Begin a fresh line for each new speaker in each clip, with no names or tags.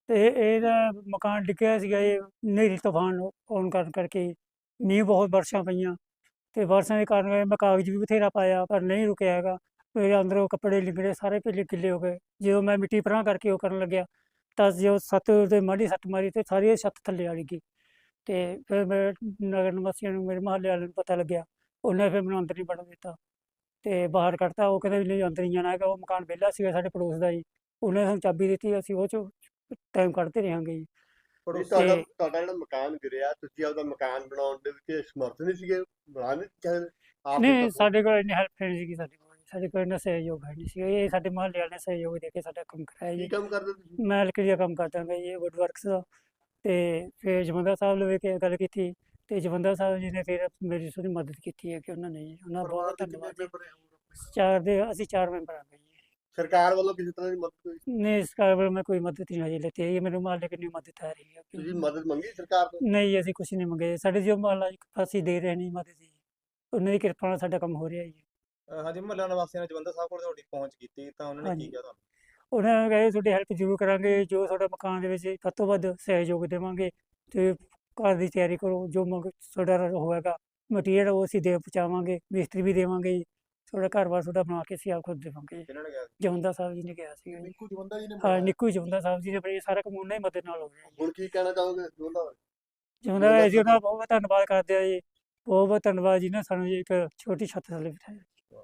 ਤੇ ਇਹਦਾ ਮਕਾਨ ਡਿੱਗਿਆ ਸੀਗਾ ਇਹ ਹਨੇਰੀ ਤੂਫਾਨ ਆਉਣ ਕਾਰਨ ਕਰਕੇ। ਮੀਂਹ ਬਹੁਤ ਬਾਰਿਸ਼ਾਂ ਪਈਆਂ ਤੇ ਬਾਰਿਸ਼ਾਂ ਦੇ ਕਾਰਨ ਮੈਂ ਕਾਗਜ਼ ਵੀ ਬਥੇਰਾ ਪਾਇਆ ਪਰ ਨਹੀਂ ਰੁਕਿਆ ਹੈਗਾ। ਮੇਰੇ ਅੰਦਰੋਂ ਕੱਪੜੇ ਲਿਬੜੇ ਸਾਰੇ ਪੀਲੇ ਗਿੱਲੇ ਹੋ ਗਏ। ਜਦੋਂ ਮੈਂ ਮਿੱਟੀ ਪਰਾਂ ਕਰਕੇ ਉਹ ਕਰਨ ਲੱਗਿਆ ਤਾਂ ਜੋ ਛੱਤ ਤੇ ਮਾੜੀ ਸੱਟ ਮਾਰੀ ਤੇ ਸਾਰੀ ਛੱਤ ਥੱਲੇ ਆ ਗਈ। ਤੇ ਫਿਰ ਮੈਂ ਨਗਰ ਨਿਵਾਸੀਆਂ ਨੂੰ ਮੇਰੇ ਮੁਹੱਲੇ ਵਾਲਿਆਂ ਨੂੰ ਪਤਾ ਲੱਗਿਆ। ਉਹਨੇ ਫਿਰ ਮੈਨੂੰ ਅੰਦਰ ਨਹੀਂ ਵੜਨ ਦਿੱਤਾ ਤੇ ਬਾਹਰ ਕੱਢਤਾ। ਉਹ ਕਹਿੰਦੇ ਵੀ ਨਹੀਂ ਅੰਦਰ ਨਹੀਂ ਜਾਣਾ ਹੈਗਾ। ਉਹ ਮਕਾਨ ਵਿਹਲਾ ਸੀਗਾ ਸਾਡੇ ਪੜੋਸ ਦਾ ਜੀ। ਉਹਨੇ ਸਾਨੂੰ ਚਾਬੀ ਦਿੱਤੀ, ਅਸੀਂ ਉਹ 'ਚੋਂ ਟਾਈਮ ਕੱਢਦੇ ਰਹਾਂਗੇ ਜੀ।
ਨਹੀਂ
ਤੇ
ਤੁਹਾਡਾ ਜਿਹੜਾ ਮਕਾਨ ਗਿਰਿਆ, ਤੁਸੀਂ ਆਪਦਾ ਮਕਾਨ ਬਣਾਉਣ ਦੇ ਵਿੱਚ ਸਮਰਥ ਨਹੀਂ ਸੀਗੇ, ਬਣਾ ਨਹੀਂ ਚਾਹੇ ਆਪ ਦੇ
ਨਹੀਂ,
ਤੌਰ
ਸਾਡੇ ਕੋਲ ਇੰਨੀ ਹੈਲਪ ਨਹੀਂ ਸੀਗੀ। ਸਾਡੇ ਕੋਲ ਇੰਨਾ ਸਹਿਯੋਗ ਹੈ ਨਹੀਂ ਸੀਗਾ। ਇਹ ਸਾਡੇ ਮੁਹੱਲੇ ਵਾਲਿਆਂ ਨੇ ਸਹਿਯੋਗ ਦੇ ਕੇ ਸਾਡਾ ਕੰਮ ਕਰਾਇਆ
ਕੀ
ਜੀ।
ਕੰਮ ਕਰਦੇ ਤੁਸੀਂ?
ਮੈਂ ਲੱਕੜੀ ਦਾ ਕੰਮ ਕਰਦਾ ਗਾ ਜੀ, ਵੁੱਡ ਵਰਕਸ ਦਾ। ਤੇ ਫਿਰ ਜਵੰਦਾ ਸਾਹਿਬ ਲਵੇ ਕੇ ਗੱਲ ਕੀਤੀ ਤੇ ਜਵੰਦਾ ਸਾਹਿਬ ਜੀ ਨੇ ਫਿਰ ਮੇਰੀ ਥੋੜ੍ਹੀ ਮਦਦ ਕੀਤੀ ਹੈ ਕਿ ਉਹਨਾਂ ਨੇ ਜੀ, ਉਹਨਾਂ ਦਾ
ਪਰਿਵਾਰ
ਬਹੁਤ
ਦੇ ਕਿੰਨੇ
ਧੰਨਵਾਦ ਜੀ।
ਮੈਂਬਰ ਹੈ ਹੋਰ ਆਪਣੇ?
ਅਸੀਂ 4 ਮੈਂਬਰ ਹਾਂ ਜੀ।
ਸਰਕਾਰ ਵੱਲੋਂ ਕਿਸੇ ਤਰ੍ਹਾਂ ਦੀ ਮਦਦ ਹੋਈ?
ਨਹੀਂ, ਇਸ ਕਾਰਨ ਮੈਂ ਕੋਈ ਮਦਦ ਨਹੀਂ ਹਜੇ ਲੈਤੀ ਹੈ। ਮੈਨੂੰ ਮੁਹੱਲੇ ਕਿੰਨੀ ਮਦਦ ਆ ਰਹੀ ਹੈ
ਤੁਸੀਂ ਮਦਦ ਮੰਗੀ ਸਰਕਾਰ ਤੋਂ?
ਨਹੀਂ, ਅਸੀਂ ਕੁਛ ਨਹੀਂ ਮੰਗੇ। ਸਾਡੇ ਜੋ ਮੁਹੱਲਾ ਅਸੀਂ ਦੇ ਰਹੇ ਨਹੀਂ ਮਦਦ ਜੀ, ਉਹਨਾਂ ਦੀ ਕਿਰਪਾ ਨਾਲ ਸਾਡਾ ਕੰਮ ਹੋ ਰਿਹਾ ਜੀ।
ਹਾਂਜੀ, ਮੁਹੱਲਾ ਨਿਵਾਸੀਆਂ ਨੇ ਜਵੰਦਾ ਸਾਹਿਬ ਕੋਲ ਤੁਹਾਡੀ ਪਹੁੰਚ ਕੀਤੀ ਤਾਂ ਉਹਨਾਂ ਨੇ ਕੀ
ਹਾਂਜੀ,
ਕਿਹਾ ਤੁਹਾਨੂੰ?
ਉਹਨਾਂ ਨੇ ਕਿਹਾ ਤੁਹਾਡੀ ਹੈਲਪ ਜ਼ਰੂਰ ਕਰਾਂਗੇ, ਜੋ ਤੁਹਾਡਾ ਮਕਾਨ ਦੇ ਵਿੱਚ ਵੱਧ ਤੋਂ ਵੱਧ ਸਹਿਯੋਗ ਦੇਵਾਂਗੇ ਤੇ ਘਰ ਦੀ ਤਿਆਰੀ ਕਰੋ, ਜੋ ਤੁਹਾਡਾ ਹੋਵੇਗਾ ਮਟੀਰੀਅਲ ਉਹ ਅਸੀਂ ਦੇ ਪਹੁੰਚਾਵਾਂਗੇ, ਮਿਸਤਰੀ ਵੀ ਦੇਵਾਂਗੇ ਜੀ। ਤੁਹਾਡਾ ਘਰ-ਬਾਰ ਤੁਹਾਡਾ ਬਣਾ ਕੇ ਅਸੀਂ ਆਪ ਖੁਦ ਦੇਵਾਂਗੇ ਜੀ।
ਕਿਹਨਾਂ ਨੇ ਕਿਹਾ ਸੀ?
ਜਵੰਦਾ ਸਾਹਿਬ ਜੀ ਨੇ ਕਿਹਾ ਸੀਗਾ ਜੀ।
ਨਿੱਕੂ ਜਵੰਦਾ ਜੀ ਨੇ
ਹਾਂ,
ਬਣਾਇਆ।
ਨਿੱਕੂ ਜਵੰਦਾ ਸਾਹਿਬ ਜੀ ਨੇ ਆਪਣੀ ਸਾਰਾ ਕੰਮ ਉਹਨਾਂ ਦੀ ਮਦਦ ਨਾਲ ਹੋ ਰਿਹਾ ਜੀ।
ਹੁਣ ਕੀ ਕਹਿਣਾ ਚਾਹੋਗੇ ਜਵੰਦਾ?
ਜਵੰਦਾ ਜੀ ਉਹਨਾਂ ਦਾ ਬਹੁਤ ਬਹੁਤ ਧੰਨਵਾਦ ਕਰਦੇ ਆ ਜੀ। ਬਹੁਤ ਬਹੁਤ ਧੰਨਵਾਦ ਜੀ ਨੇ ਸਾਨੂੰ ਜੀ ਇੱਕ ਛੋਟੀ ਛੱਤ ਥੱਲੇ ਬਿਠਾਇਆ।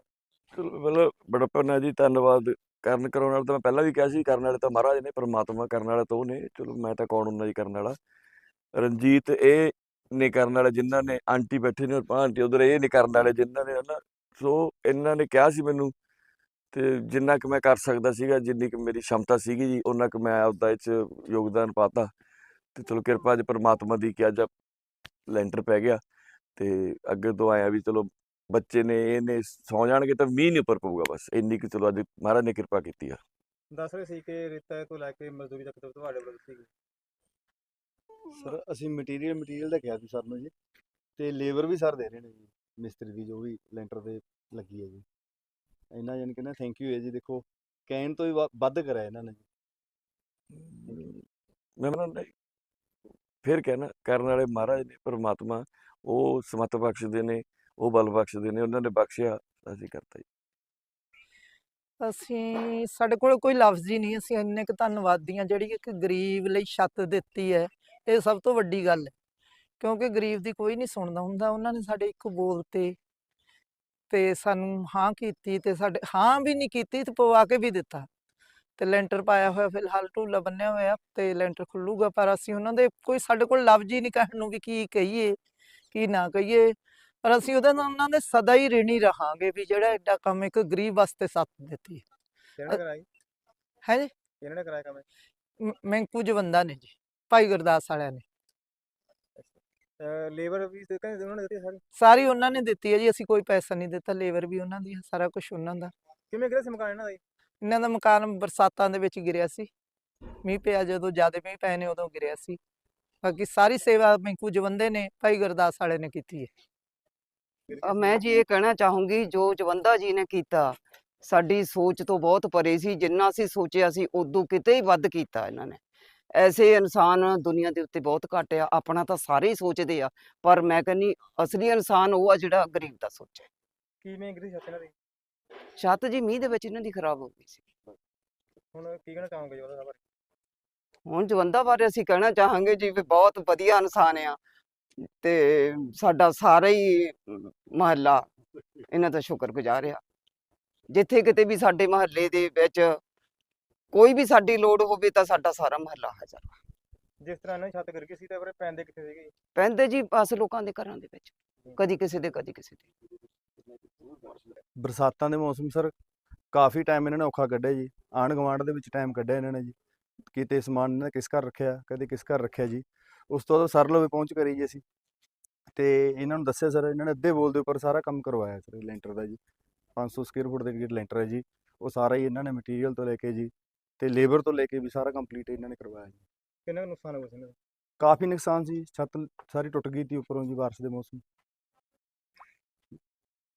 ਚਲੋ ਮਤਲਬ ਬੜਪਨ ਹੈ ਜੀ, ਧੰਨਵਾਦ ਕਰਨ ਵਾਲਾ ਤਾਂ ਮੈਂ ਪਹਿਲਾਂ ਵੀ ਕਿਹਾ ਸੀ, ਕਰਨ ਵਾਲੇ ਤਾਂ ਮਹਾਰਾਜ ਨੇ, ਪਰਮਾਤਮਾ ਕਰਨ ਵਾਲਾ ਤਾਂ ਉਹ ਨੇ। ਚਲੋ ਮੈਂ ਤਾਂ ਕੌਣ ਹੁੰਦਾ ਜੀ ਕਰਨ ਵਾਲਾ। ਰਣਜੀਤ ਇਹ ਨੇ ਕਰਨ ਵਾਲੇ ਜਿਨ੍ਹਾਂ ਨੇ, ਆਂਟੀ ਬੈਠੇ ਨੇ ਆਂਟੀ ਉਧਰ, ਇਹ ਨੇ ਕਰਨ ਵਾਲੇ ਜਿਨ੍ਹਾਂ ਨੇ ਹਨਾ। ਸੋ ਇਹਨਾਂ ਨੇ ਕਿਹਾ ਸੀ ਮੈਨੂੰ ਤੇ ਜਿੰਨਾ ਕੁ ਮੈਂ ਕਰ ਸਕਦਾ ਸੀਗਾ, ਜਿੰਨੀ ਕੁ ਮੇਰੀ ਸ਼ਮਤਾ ਸੀਗੀ ਜੀ, ਉਹਨਾਂ ਕੁ ਮੈਂ ਆਪਦਾ ਇਹ 'ਚ ਯੋਗਦਾਨ ਪਾਤਾ। ਤੇ ਚਲੋ ਕਿਰਪਾ ਅੱਜ ਪਰਮਾਤਮਾ ਦੀ ਕਿ ਅੱਜ ਲੈਂਟਰ ਪੈ ਗਿਆ ਤੇ ਅੱਗੇ ਤੋਂ ਆਇਆ ਵੀ ਚਲੋ ਬੱਚੇ ਨੇ ਇਹਨੇ ਸੌ ਜਾਣਗੇ ਤਾਂ ਮੀਂਹ ਨਹੀਂ ਉੱਪਰ ਪਊਗਾ, ਬਸ ਇੰਨੀ ਕੁ ਚਲੋ ਅੱਜ ਮਹਾਰਾਜ ਨੇ ਕਿਰਪਾ ਕੀਤੀ ਆ।
ਦੱਸ ਰਹੇ ਸੀ ਕਿ ਰੇਤਾ ਤੋਂ ਲੈ ਕੇ ਮਜ਼ਦੂਰੀ ਤੱਕ ਤੁਹਾਡੇ ਵੱਲੋਂ ਸੀ।
ਸਰ ਅਸੀਂ ਮਟੀਰੀਅਲ ਦਾ ਕਿਹਾ ਸੀ ਸਰ ਨੂੰ ਜੀ, ਤੇ ਲੇਬਰ ਵੀ ਸਰ ਦੇ ਰਹੇ ਨੇ ਜੀ, ਮਿਸਤਰੀ ਦੀ ਜੋ ਵੀ ਲੈਂਟਰ ਤੇ ਲੱਗੀ ਹੈ ਜੀ। ਇੰਨਾ ਜਾਣੀ ਕਿ ਨਾ ਥੈਂਕ ਯੂ ਹੈ ਜੀ। ਦੇਖੋ ਕਹਿਣ ਤੋਂ ਵੀ ਵੱਧ ਕਰਿਆ ਇਹਨਾਂ ਨੇ ਜੀ।
ਮੈਂ ਫਿਰ ਕਹਿਣਾ ਕਰਨ ਵਾਲੇ ਮਹਾਰਾਜ ਨੇ, ਪਰਮਾਤਮਾ ਉਹ ਸਮੱਤ ਬਖਸ਼ਦੇ ਨੇ, ਉਹ ਬਲ ਬਖਸ਼ਦੇ ਨੇ, ਉਹਨਾਂ ਨੇ ਬਖਸ਼ਿਆ ਅਸੀਂ ਕਰਤਾ ਜੀ।
ਸਾਡੇ ਕੋਲ ਕੋਈ ਲਫ਼ਜ਼ ਹੀ ਨਹੀਂ। ਅਸੀਂ ਇੰਨੇ ਕੁ ਧੰਨਵਾਦੀ ਹਾਂ ਜਿਹੜੀ ਇੱਕ ਗਰੀਬ ਲਈ ਛੱਤ ਦਿੱਤੀ ਹੈ। ਇਹ ਸਭ ਤੋਂ ਵੱਡੀ ਗੱਲ ਹੈ, ਕਿਉਂਕਿ ਗਰੀਬ ਦੀ ਕੋਈ ਨਹੀਂ ਸੁਣਦਾ ਹੁੰਦਾ। ਉਹਨਾਂ ਨੇ ਸਾਡੇ ਇੱਕ ਬੋਲ ਤੇ ਸਾਨੂੰ ਹਾਂ ਕੀਤੀ, ਤੇ ਸਾਡੇ ਹਾਂ ਵੀ ਨਹੀਂ ਕੀਤੀ ਤੇ ਪਵਾ ਕੇ ਵੀ ਦਿੱਤਾ। ਤੇ ਲੈਂਟਰ ਪਾਇਆ ਹੋਇਆ, ਫਿਲਹਾਲ ਢੂਲਾ ਬੰਨਿਆ ਹੋਇਆ ਤੇ ਲੈਂਟਰ ਖੁੱਲੂਗਾ। ਪਰ ਅਸੀਂ ਉਹਨਾਂ ਦੇ ਸਾਡੇ ਕੋਲ ਲਫ਼ਜ਼ ਹੀ ਨਹੀਂ ਕਹਿਣ ਨੂੰ ਵੀ ਕੀ ਕਹੀਏ ਕੀ ਨਾ ਕਹੀਏ। ਪਰ ਅਸੀਂ ਉਹਨਾਂ ਦੇ ਸਦਾ ਹੀ ਰਿਣੀ ਰਹਾਂਗੇ ਵੀ ਜਿਹੜਾ ਐਡਾ ਕੰਮ ਇੱਕ ਗਰੀਬ ਵਾਸਤੇ ਛੱਤ ਦਿੱਤੀ
ਕਿਹਨਾਂ ਨੇ ਕਰਾਈ?
ਹੈ ਜੀ।
ਕਿਹਨਾਂ ਨੇ ਕਰਾਇਆ ਕੰਮ?
ਮੈਂਕੂ ਜਵੰਦਾ ਨੇ ਜੀ, ਭਾਈ ਗੁਰਦਾਸ ਵਾਲਿਆਂ ਨੇ।
ਲੇਬਰ ਵੀ ਤੇ ਕਹਿੰਦੇ ਉਹਨਾਂ ਨੇ ਦਿੱਤੀ ਸਾਰੀ?
ਸਾਰੀ ਉਹਨਾਂ ਨੇ ਦਿੱਤੀ ਹੈ ਜੀ, ਅਸੀਂ ਕੋਈ ਪੈਸਾ ਨਹੀਂ ਦਿੱਤਾ। ਲੇਬਰ ਵੀ ਉਹਨਾਂ ਦੀ, ਸਾਰਾ ਕੁਝ ਉਹਨਾਂ ਦਾ।
ਕਿਵੇਂ ਕਿਹੜਾ ਸੀ ਮਕਾਨ ਇਹਨਾਂ ਦਾ ਜੀ?
ਇਹਨਾਂ ਦਾ ਮਕਾਨ ਬਰਸਾਤਾਂ ਦੇ ਵਿੱਚ ਗਿਰਿਆ ਸੀ। ਮੀਂਹ ਪਿਆ, ਜਦੋਂ ਜ਼ਿਆਦਾ ਮੀਂਹ ਪਏ ਨੇ ਉਦੋਂ ਗਿਰਿਆ ਸੀ। ਬਾਕੀ ਸਾਰੀ ਸੇਵਾ ਮੈਂਕੂ ਜਵੰਦੇ ਨੇ, ਭਾਈ ਗੁਰਦਾਸ ਵਾਲੇ ਨੇ ਕੀਤੀ ਹੈ।
ਮੈਂ ਜੀ ਇਹ ਕਹਿਣਾ ਚਾਹੂੰਗੀ, ਜੋ ਜਵੰਦਾ ਜੀ ਨੇ ਕੀਤਾ ਸਾਡੀ ਸੋਚ ਤੋਂ ਬਹੁਤ ਪਰੇ ਸੀ। ਜਿੰਨਾ ਅਸੀਂ ਸੋਚਿਆ ਸੀ ਉਦੋਂ ਕਿਤੇ ਹੀ ਵੱਧ ਕੀਤਾ ਇਹਨਾਂ ਨੇ। ਐਸੇ ਇਨਸਾਨ ਦੁਨੀਆ ਦੇ ਉੱਤੇ ਬਹੁਤ ਘੱਟ ਆ। ਆਪਣਾ ਤਾਂ ਸਾਰੇ ਹੀ ਸੋਚਦੇ ਆ, ਪਰ ਮੈਂ ਕਹਿੰਦੀ ਅਸਲੀ ਇਨਸਾਨ ਉਹ ਆ ਜਿਹੜਾ ਗਰੀਬ ਦਾ ਸੋਚੇ।
ਕਿਵੇਂ ਗਿਰੀ ਛੱਤ ਇਹਨਾਂ ਦੀ?
ਛੱਤ ਜੀ ਮੀਂਹ ਦੇ ਵਿੱਚ ਇਹਨਾਂ ਦੀ ਖਰਾਬ ਹੋ ਗਈ ਸੀ।
ਹੁਣ ਕੀ ਕਹਿਣਾ ਚਾਹੋਗੇ ਜੀ ਉਹਦਾ ਬਾਰੇ?
ਹੁਣ ਜਵੰਦਾ ਬਾਰੇ ਅਸੀਂ ਕਹਿਣਾ ਚਾਹਾਂਗੇ ਜੀ ਵੀ ਬਹੁਤ ਵਧੀਆ ਇਨਸਾਨ ਆ, ਤੇ ਸਾਡਾ ਸਾਰਾ ਹੀ ਮਹੱਲਾ ਇਹਨਾਂ ਦਾ ਸ਼ੁਕਰਗੁਜ਼ਾਰ ਆ। ਜਿੱਥੇ ਕਿਤੇ ਵੀ ਸਾਡੇ ਮਹੱਲੇ ਦੇ ਵਿੱਚ ਕੋਈ ਵੀ ਸਾਡੀ ਲੋੜ ਹੋਵੇ ਤਾਂ ਸਾਡਾ ਸਾਰਾ ਮਹੱਲਾ ਹਾਜ਼ਰ ਆ।
ਜਿਸ ਤਰ੍ਹਾਂ ਇਹਨਾਂ ਦੀ ਛੱਤ ਗਿਰ ਗਈ ਸੀ ਤਾਂ ਫਿਰ ਪੈਂਦੇ ਕਿੱਥੇ ਸੀਗੇ?
ਪੈਂਦੇ ਜੀ ਬਸ ਲੋਕਾਂ ਦੇ ਘਰਾਂ ਦੇ ਵਿੱਚ, ਕਦੀ ਕਿਸੇ ਦੇ ਕਦੀ ਕਿਸੇ ਦੇ।
ਬਰਸਾਤਾਂ ਦੇ ਮੌਸਮ ਸਰ ਕਾਫੀ ਟਾਈਮ ਇਹਨਾਂ ਨੇ ਔਖਾ ਕੱਢਿਆ ਜੀ। ਆਂਢ ਗੁਆਂਢ ਦੇ ਵਿੱਚ ਟਾਈਮ ਕੱਢਿਆ ਇਹਨਾਂ ਨੇ ਜੀ। ਕਿਤੇ ਸਮਾਨ ਇਹਨਾਂ ਨੇ ਕਿਸ ਘਰ ਰੱਖਿਆ, ਕਦੇ ਕਿਸ ਘਰ ਰੱਖਿਆ ਜੀ। ਉਸ ਤੋਂ ਬਾਅਦ ਸਰ ਲਵੇ ਪਹੁੰਚ ਕਰੀ ਜੀ ਅਸੀਂ, ਤੇ ਇਹਨਾਂ ਨੂੰ ਦੱਸਿਆ ਸਰ। ਇਹਨਾਂ ਨੇ ਅੱਧੇ ਬੋਲ ਦੇ ਉੱਪਰ ਸਾਰਾ ਕੰਮ ਕਰਵਾਇਆ ਸਰ ਲੈਂਟਰ ਦਾ ਜੀ। 500 ਸਕੁਅਰ ਫੁੱਟ ਦੇ ਗੇਟ ਲੈਂਟਰ ਹੈ ਜੀ। ਉਹ ਸਾਰਾ ਹੀ ਇਹਨਾਂ ਨੇ ਮਟੀਰੀਅਲ ਤੋਂ ਲੈ ਕੇ ਜੀ ਤੇ ਲੇਬਰ ਤੋਂ ਲੈ ਕੇ ਵੀ ਸਾਰਾ ਕੰਪਲੀਟ ਇਹਨਾਂ ਨੇ ਕਰਵਾਇਆ ਜੀ।
ਕਿੰਨਾ ਕੁ ਨੁਕਸਾਨ ਹੋ ਗਿਆ ਸੀ ਇਹਨਾਂ ਦਾ?
ਕਾਫੀ ਨੁਕਸਾਨ ਸੀ। ਛੱਤ ਸਾਰੀ ਟੁੱਟ ਗਈ ਸੀ ਉੱਪਰੋਂ ਜੀ ਬਾਰਿਸ਼ ਦੇ ਮੌਸਮ।